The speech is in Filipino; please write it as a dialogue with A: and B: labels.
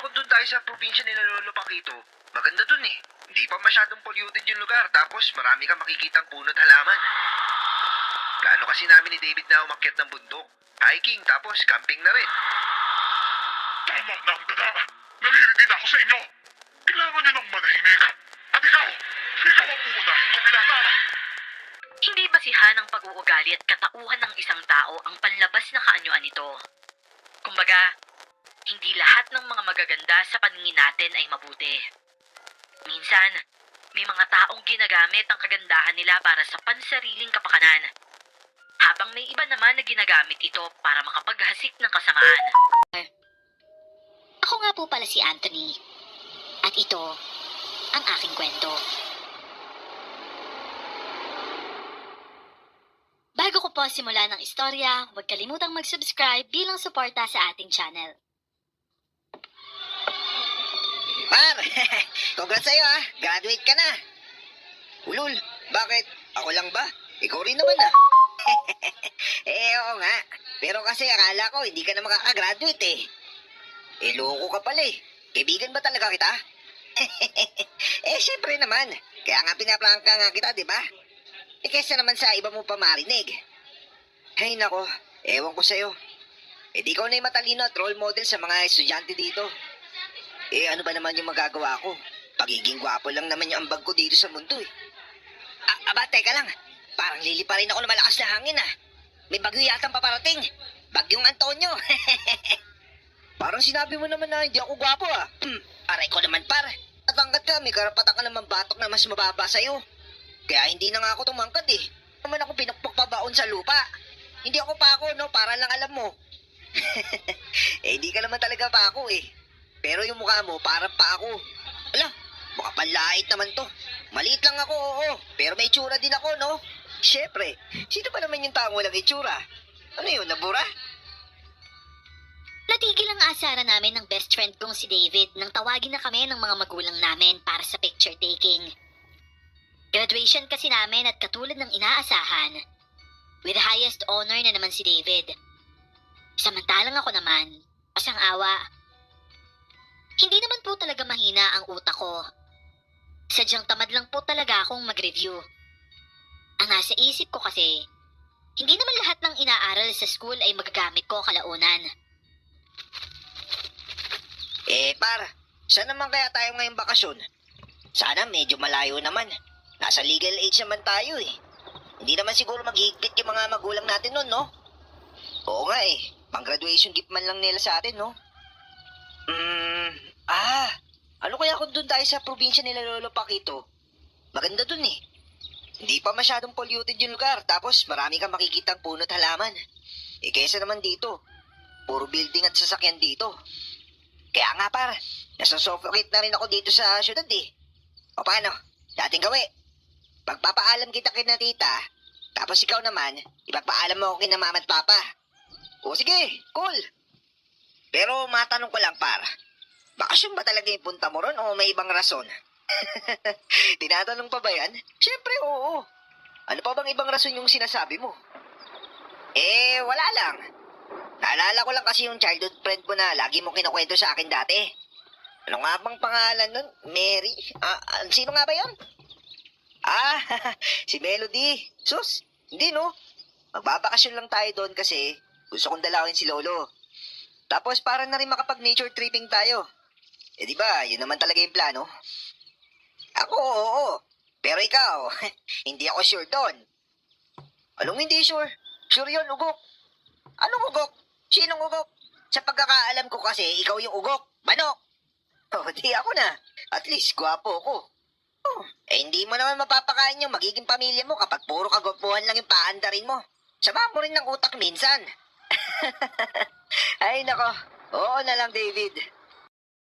A: kung doon tayo sa probinsya nila Lolo Paquito. Maganda doon eh. Hindi pa masyadong polluted yung lugar, tapos marami kang makikitang puno't halaman. Plano kasi namin ni David na umakyat ng bundok. Hiking, tapos camping na rin.
B: Tama na ang dada. Naririnig na ako sa inyo. Kailangan nyo ng manahimik. At ikaw ang uunahin ko, binata.
C: Hindi basihan ang pag-uugali at katauhan ng isang tao ang panlabas na kaanyuan nito. Kumbaga, hindi lahat ng mga magaganda sa paningin natin ay mabuti. Minsan, may mga taong ginagamit ang kagandahan nila para sa pansariling kapakanan, habang may iba naman na ginagamit ito para makapaghasik ng kasamaan.
D: Ako nga po pala si Anthony. At ito ang aking kwento. Bago ko po simulan ng istorya, huwag kalimutang mag-subscribe bilang suporta sa ating channel.
E: Par, congrats sa'yo ah. Graduate ka na. Ulul, bakit? Ako lang ba? Ikaw rin naman ah. Oo nga. Pero kasi akala ko hindi ka na makakagraduate eh. Loko ka pala eh. Kaibigan ba talaga kita? Syempre naman. Kaya nga pinaprangka nga kita, di ba? Kesa naman sa iba mo pa marinig. Hay nako, ewan ko sa'yo. Di ikaw na yung matalino at role model sa mga estudyante dito. Ano ba naman yung magagawa ko? Pagiging gwapo lang naman yung ambag ko dito sa mundo eh. Teka lang. Parang liliparin ako ng malakas na hangin ah. May bagyo yatang paparating. Bagyong Antonio. Parang sinabi mo naman na hindi ako gwapo ah. Aray ko naman par. At hanggat ka, may karapatan ka naman batok na mas mababa sa'yo. Kaya hindi na nga ako tumangkad eh. Naman ako pinukpok pabaon sa lupa. Hindi ako pa ako, no? Para lang alam mo. Hindi ka naman talaga pa ako eh. Pero yung mukha mo, parang pa ako. Ala, mukha panlait naman to. Maliit lang ako, oo. Pero may itsura din ako, no? Siyempre, sino ba naman yung taong walang itsura? Ano yun, nabura?
D: Natigil ang asara namin ng best friend kong si David nang tawagin na kami ng mga magulang namin para sa picture taking. Graduation kasi namin at katulad ng inaasahan, with the highest honor na naman si David. Samantalang ako naman, pasang awa. Hindi naman po talaga mahina ang utak ko. Sadyang tamad lang po talaga akong mag-review. Ang nasa isip ko kasi, hindi naman lahat ng inaaral sa school ay magagamit ko kalaunan.
E: Par, saan naman kaya tayo ngayong bakasyon? Sana medyo malayo naman. Nasa legal age naman tayo eh. Hindi naman siguro maghihigpit yung mga magulang natin nun, no? Oo nga eh. Pang-graduation gift man lang nila sa atin, no? Ano kaya kung doon tayo sa probinsya nila Lolo Paquito? Maganda doon eh. Hindi pa masyadong polluted yung lugar, tapos marami kang makikitang puno't halaman. Kaysa naman dito, puro building at sasakyan dito. Kaya nga par, nasusuffocate na rin ako dito sa syudad eh. O paano? Dating gawi. Pagpapaalam kita kina tita, tapos ikaw naman, ipapaalam mo ako kina mama at papa. O sige, cool. Pero matanong ko lang par, bakasyon ba talaga yung punta mo ron o may ibang rason? Tinatanong pa ba yan? Siyempre oo. Ano pa bang ibang rason yung sinasabi mo? Wala lang. Naalala ko lang kasi yung childhood friend mo na lagi mo kinukwento sa akin dati. Ano nga bang pangalan nun? Mary? Sino nga ba yun? Si Melody. Sus, hindi no. Magbabakasyon lang tayo doon kasi gusto kong dalawin si Lolo. Tapos para na rin makapag-nature tripping tayo. Di ba, yun naman talaga yung plano. Ako, oo. Pero ikaw, hindi ako sure doon. Anong hindi sure? Sure yun, ugok. Anong ugok? Sinong ugok? Sa pagkakaalam ko kasi, ikaw yung ugok. Manok. Di ako na. At least, gwapo ko. Hindi mo naman mapapakain yung magiging pamilya mo kapag puro kagwapuhan lang yung paandarin mo. Sama mo rin ng utak minsan. Ay, nako. Oo na lang, David.